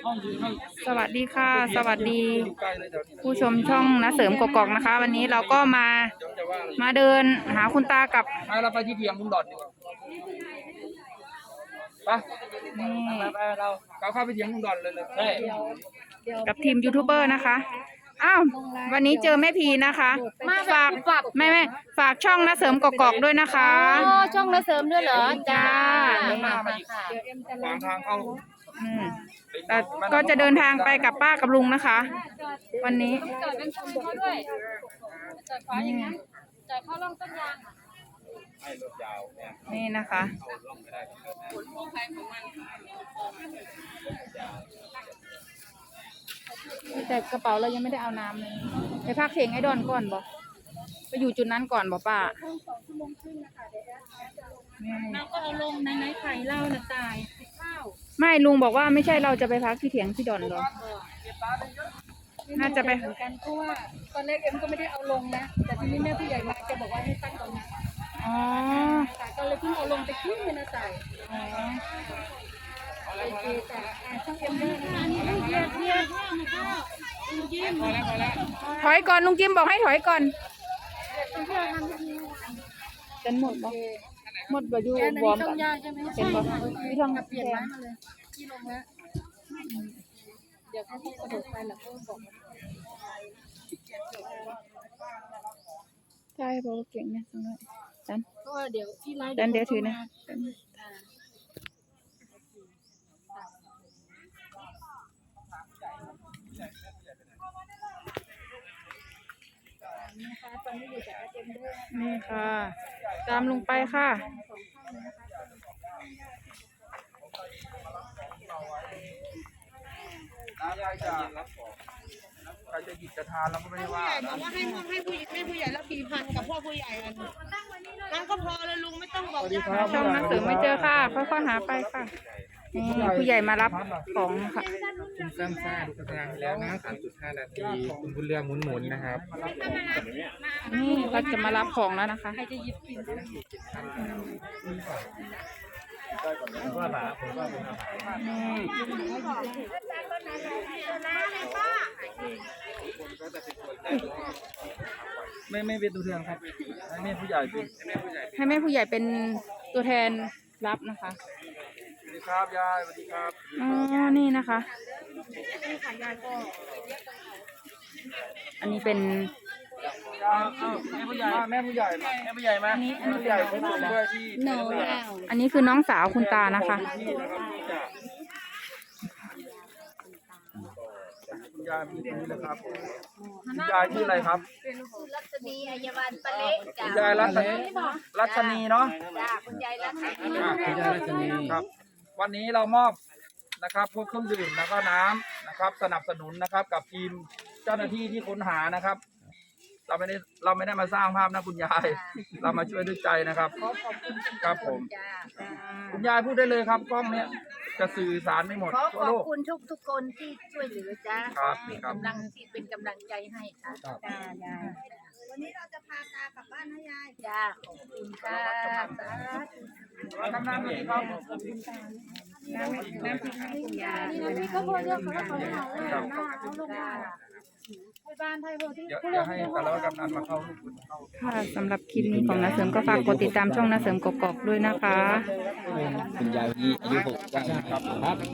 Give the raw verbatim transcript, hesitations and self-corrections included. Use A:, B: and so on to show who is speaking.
A: สวัสดีค่ะสวัสดีผู้ชมช่องนะเสริมกกอกนะคะวันนี้เราก็มามาเดินหาคุณตากับ
B: เราไปที่เพียงคุณดอนดีกว่าไปไปเราเราเข้าไปเพียงคุณดอนเลยเลยใช่
A: กับทีมยูทูบเบอร์นะคะอ้าววันนี้เจอแม่พีนะคะฝากแม่แม่ฝากช่องนะเสริมกกอกด้วยนะคะ
C: อ๋อช่องนะเสริมด้วยเหรอจ้า
B: มามาอีกขวางทางเข้า
A: อืมก็จะเดินทางไปกับป้ากับลุงนะคะ วันนี้
C: จอดเป็นชมเขาด้วยจอดขวาอย่างนั้นจอดเข้าร่องต้นยาง
B: ให้รถยาวเนี่ย
A: นี่นะคะแต่กระเป๋าเรายังไม่ได้เอาน้ำเลยไปพักเข่งไอ้ดอนก่อนบอกไปอยู่จุดนั้นก่อนบอกป้า
C: เราก็เอาลงในในไข่เล่าน่ะตายข้าว
A: ไม่ลุงบอกว่าไม่ใช่เราจะไปพักที่เถียงที่ดอนหรอน่าจะไป
C: เหมือนกันเพราะว่าตอนแรกเอ็มก็ไม่ได้เอาลงนะแต่ทีนี้แม่ผู้ใหญ่มาแกบอกว่าให้ตั้งตรงนั้น
A: อ๋อ
C: ก็เลยเพิ่งเอาลงไปขึ้นเลยนะตายอ๋อโอเคจ้ะช่างเอ็มด้วยนะนี่เยียดเยียดข้าวมาข้าวลุงจิ้ม
A: ถอยก่อนลุงจิ้มบอกให้ถอยก่อนเป็นหมดบ่หมดบ่อยู่วอร์มกันเป็นบ่มีทอง
C: เปลี่ยนไม้มาเลยที่ลงแล้วเดี๋ยวเขาพูดกระโดดไปแล้วก็บอก
A: ใช่บอกเก่งนะตรงนี้ดัน
C: ก็เดี๋ยวที่ไลฟ์
A: ดันเดี๋ยวถือนะนี่ค่ะตามลงไปค่ะ
B: ยายจะรับของใครจะหยิบจะทานเราก็ไม่ได้ว่า
C: บอกว่าให้พวกให้ผู้ให้ผู้ใหญ่แล้วกี่พันกับพวกผู้ใหญ่กันนั่นก็พอเลยลุงไม่ต้องบอก
A: ช่องนักเสริมไม่เจอค่ะค่อยๆหาไปค่ะนี่ผู้ใหญ่มารับของค่ะ
D: คุณซ้ำซ่าดูกระดานแล้วนะ สามจุดห้า นาทีคุณบุญเรืองหมุนๆนะครับ
A: นี่เขาจะมารับของแล้วนะคะ
C: ใครจะหยิบกิน
D: ผมว่าหลาผมว่าเป็นอาหาร
B: ไม่ไม่เป็นตัวแทนครับให้แม่ผู้ใหญ่เป็น
A: ให้แม่ผู้ใหญ่เป็นตัวแทนรับนะคะ
B: สวัสดีครับยายสวัสดีครับ
A: อ๋อนี่นะคะอันนี้เป็น
B: แม่ผู้ใหญ่แม่ผู้ใหญ่แม่ผู้ใหญ่มาแม่ผู้ใหญ่เป็นคนด้วยที่
A: อันนี้คือน้องสาวคุณตานะคะ
B: คุณยายมีนี้นะครับคุณยายชื่ออะไรครับ
C: รัชนีอัยวันปะเล็กจ้ะ
B: คุณยายรัชนีรัชนีเนาะ
C: จ้ะคุณยายรัชนี
B: คุณยายรัชนีครับวันนี้เรามอบนะครับพวกเครื่องดื่มแล้วก็น้ำนะครับสนับสนุนนะครับกับทีมเจ้าหน้าที่ที่ค้นหานะครับเราไม่ได้เราไม่ได้มาสร้างภาพนะคุณยายเรามาช่วยด้วยใจนะครับครับผมคุณยายพูดได้เลยครับกล้องเนี้ยจะสื่อสารไม่หมด
C: ขอขอบคุณทุกทุกคนที่ช่วยเหลือจ้า
B: ครับ
C: เป็นกำลังที่เป็นกำลังใจให้ค่ะจ้ายายวันนี้เราจะพาตากลับบ้านนะยายจ้าขอบคุณจ้า
B: น้ำน้ำอีกครับ
C: น้ำน้ำพริกให้คุณยายนี่น้ำพริกก็พอเยอะเขาแล้วเขาไม่เอาเลยนะเอาลงมา
B: เดี๋ยวให้แต่ละกำนันมาเข้าลูก
A: ค่ะสำหรับคลิปนี้ของนาเสริมก็ฝากกดติดตามช่องนาเสริมกกอกด้วยนะคะ
D: คุณยายอายุหกสิบครับ